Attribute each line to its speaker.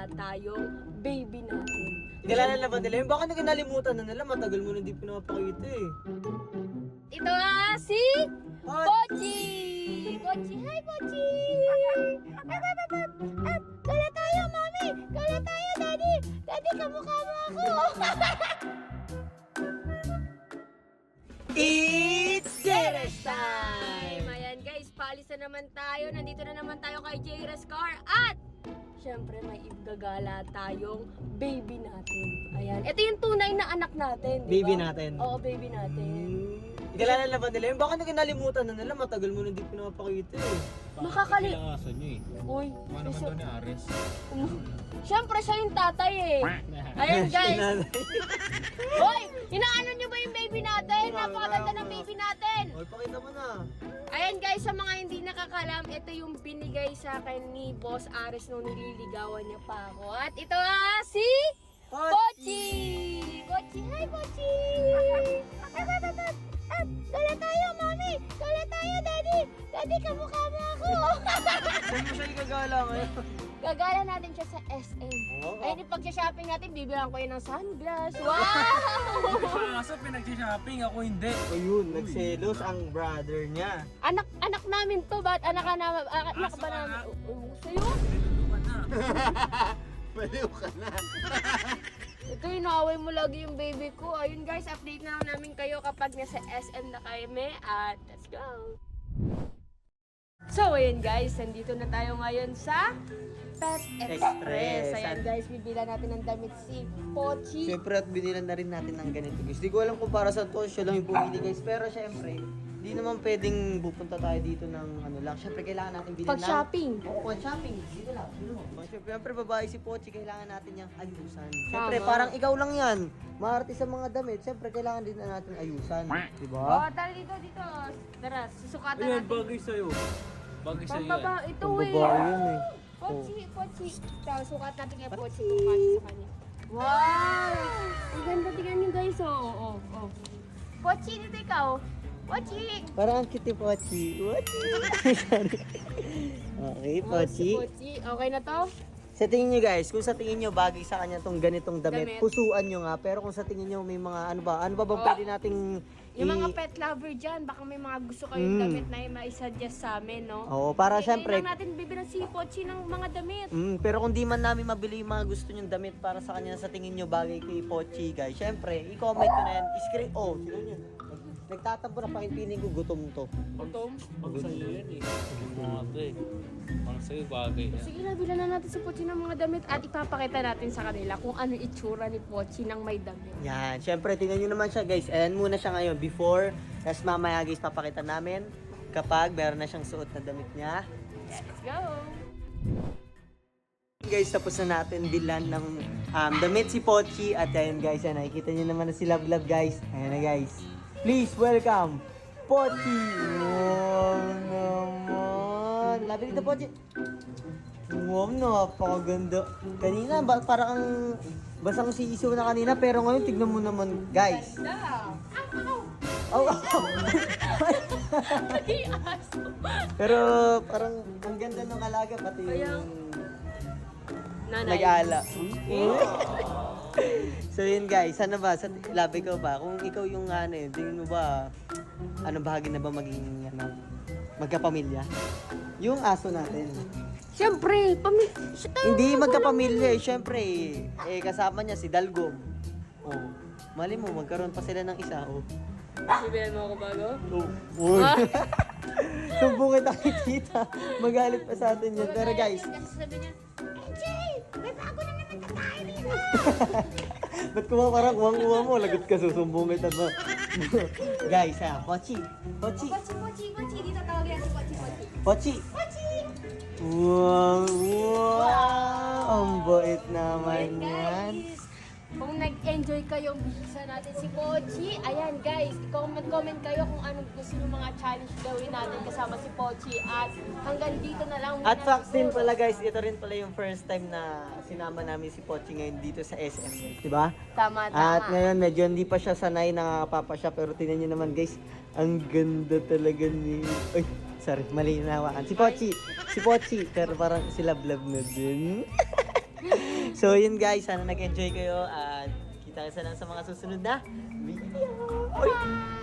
Speaker 1: gumagala tayong baby natin.
Speaker 2: Kilala na ba nila yun? Baka nalimutan na nila, matagal mo na hindi pinapakita eh.
Speaker 1: Ito nga si Pochi! Pochi! Hi, Pochi! Gala tayo, mami! Gala tayo, daddy! Daddy, kamukha mo ako!
Speaker 2: It's Jerez time!
Speaker 1: Ayan guys, paalis na naman tayo. Nandito na naman tayo kay Jerez Car at syempre may igagala tayong baby natin. Ayan, ito yung tunay na anak natin, di ba?
Speaker 2: Baby natin.
Speaker 1: Oo, baby natin.
Speaker 2: Kilala na ba nila yun? Baka nalimutan na nila, matagal mo na hindi pinapakita eh.
Speaker 1: Makakali...
Speaker 3: Kailangasan nyo eh.
Speaker 1: Uy,
Speaker 3: Mga naman daw ni Ares.
Speaker 1: syempre siya yung tatay eh. Ayan guys. Uy, inaano nyo ba yung baby natin? Napakaganda ng baby natin.
Speaker 2: Oy, pakita mo na.
Speaker 1: Ayan guys, sa mga hindi nakakalam, ito yung binigay sa akin ni Boss Ares nung nililigawan niya pa ako. At ito si Pochi! Pochi! Hi, Pochi! Gala tayo, mami! Gala tayo, daddy! Daddy, kamukha mo ako!
Speaker 2: Saan mo siya igagala ngayon?
Speaker 1: Gagala natin siya sa SM.
Speaker 2: Oo.
Speaker 1: Ayun, yung pag-shopping natin, bibilang ko yun ng sunglass. Wow!
Speaker 3: Kaso pinag-shopping, ako hindi.
Speaker 2: Ayun, nagselos ang brother niya.
Speaker 1: Anak namin to, ba't anak ka namin? Anak ba namin? Sa'yo?
Speaker 3: Nilulukan na.
Speaker 2: Baliw ka na.
Speaker 1: Ito, inaaway mo lagi yung baby ko. Ayun guys, update na lang namin kayo kapag nasa SM na kami. At let's go! So, ayun guys, nandito na tayo ngayon sa Pet Express. Ayan guys, bibila natin ng damit si Pochi.
Speaker 2: Siyempre at binilan na rin natin ng ganito guys. Di ko alam kung para saan to, siya lang yung bumili guys. Pero siyempre, di naman pwedeng pupunta tayo dito ng ano lang. Siyempre kailangan natin bilhin
Speaker 1: Pag-shopping.
Speaker 2: Pag-shopping. Dito lang. Dito mo. Siyempre babae si Pochi, kailangan natin niyang ayusan. Siyempre
Speaker 1: Tama.
Speaker 2: parang ikaw lang yan. Maarte sa mga damit. Siyempre kailangan din na natin ayusan. Diba?
Speaker 1: Oh, tara dito. Tara, susukatan
Speaker 3: Ayan,
Speaker 1: natin.
Speaker 3: bagay sa'yo. Bagay sa'yo yan.
Speaker 1: Pambaba, ito
Speaker 2: Ang
Speaker 1: eh.
Speaker 2: babae yun eh.
Speaker 1: Pochi. Tapos sukat natin kay Pochi kung kasi sa kanya. Wow! Ang ganda, tingnan niyo guys. Oh. Pochi, dito ikaw. Pochi!
Speaker 2: Parang ang cute ni Pochi. Pochi. Sorry. Okay, Pochi.
Speaker 1: Si Pochi. Okay na to?
Speaker 2: Sa tingin nyo guys, kung sa tingin nyo bagay sa kanya tong ganitong damit,
Speaker 1: Damit.
Speaker 2: pusuan nyo nga. Pero kung sa tingin nyo may mga ano ba bang pwede nating
Speaker 1: Yung mga pet lover dyan, baka may mga gusto kayong damit na i-suggest sa amin, no?
Speaker 2: Oo, para
Speaker 1: Hindi
Speaker 2: syempre.
Speaker 1: lang natin bibilang si Pochi ng mga damit.
Speaker 2: Pero kung di man namin mabili yung mga gusto nyong damit para sa kanya sa tingin nyo bagay kay Pochi guys, syempre, i-comment nyo na yan. I-screen, sino nyo? Nagtatampo na pakinpinig ko, gutom to.
Speaker 3: Pag sa'yo yan eh. Mga to eh. Parang sa'yo bagay yan.
Speaker 1: Sige na, bilan na natin si Pochi ng mga damit at ipapakita natin sa kanila kung ano itsura ni Pochi ng may damit.
Speaker 2: Yan, syempre, tingnan nyo naman siya guys. Ayan muna siya ngayon, before. Tapos mamaya guys, papakita namin kapag meron na siyang suot na damit niya.
Speaker 1: Let's go!
Speaker 2: Guys, tapos na natin bilan ng damit si Pochi. At ayan guys, yan, nakikita nyo naman na si Love guys. Ayan na guys. Please welcome Pochi! Wow naman! Labi dito Pochi! Wow, napakaganda. Kanina, parang ang basang siso na kanina. Pero ngayon, tignan mo naman guys. Oh, pero parang ang ganda ng alaga pati yung
Speaker 1: Nanay.
Speaker 2: nag-aala. So yun guys, ano ba? Sa labi ko ba? Kung ikaw yung ano yun, tingin mo ba, ano bahagi na ba maging magkapamilya? Yung aso natin.
Speaker 1: Siyempre,
Speaker 2: Hindi magkapamilya eh, syempre kasama niya si Dalgom. Oh, mali mo, magkaroon pa sila ng isa. Oh.
Speaker 1: Sabihan mo ako bago?
Speaker 2: Uy. Sumbong kita kita. Magalit pa sa atin yun. Pero guys,
Speaker 1: Kasi sabi niya, Jay, may bago na naman na tayo dito.
Speaker 2: ba't parang uwang-uwa mo? Lagot ka, susumbong kita ba? Guys, Pochi. Pochi.
Speaker 1: Pochi, dito tawagin si Pochi.
Speaker 2: Pochi. Wow. Ang bait naman yan.
Speaker 1: Guys, kung nag-enjoy kayong bisa natin si Pochi, ayan guys, comment kayo kung anong gusto nyo mga challenge gawin natin kasama si Pochi. At hanggang dito na lang.
Speaker 2: At facts din pala guys, ito rin pala yung first time na sinama namin si Pochi ngayon dito sa SM. Diba?
Speaker 1: Tama.
Speaker 2: At ngayon medyo hindi pa siya sanay nakakapapa siya, pero tingnan niyo naman guys, ang ganda talaga ni... Ay, sorry, mali na hawakan. Si Pochi, pero parang si Love na din. So yun guys, sana nag-enjoy kayo at kita-kita lang sa mga susunod na video. Oy!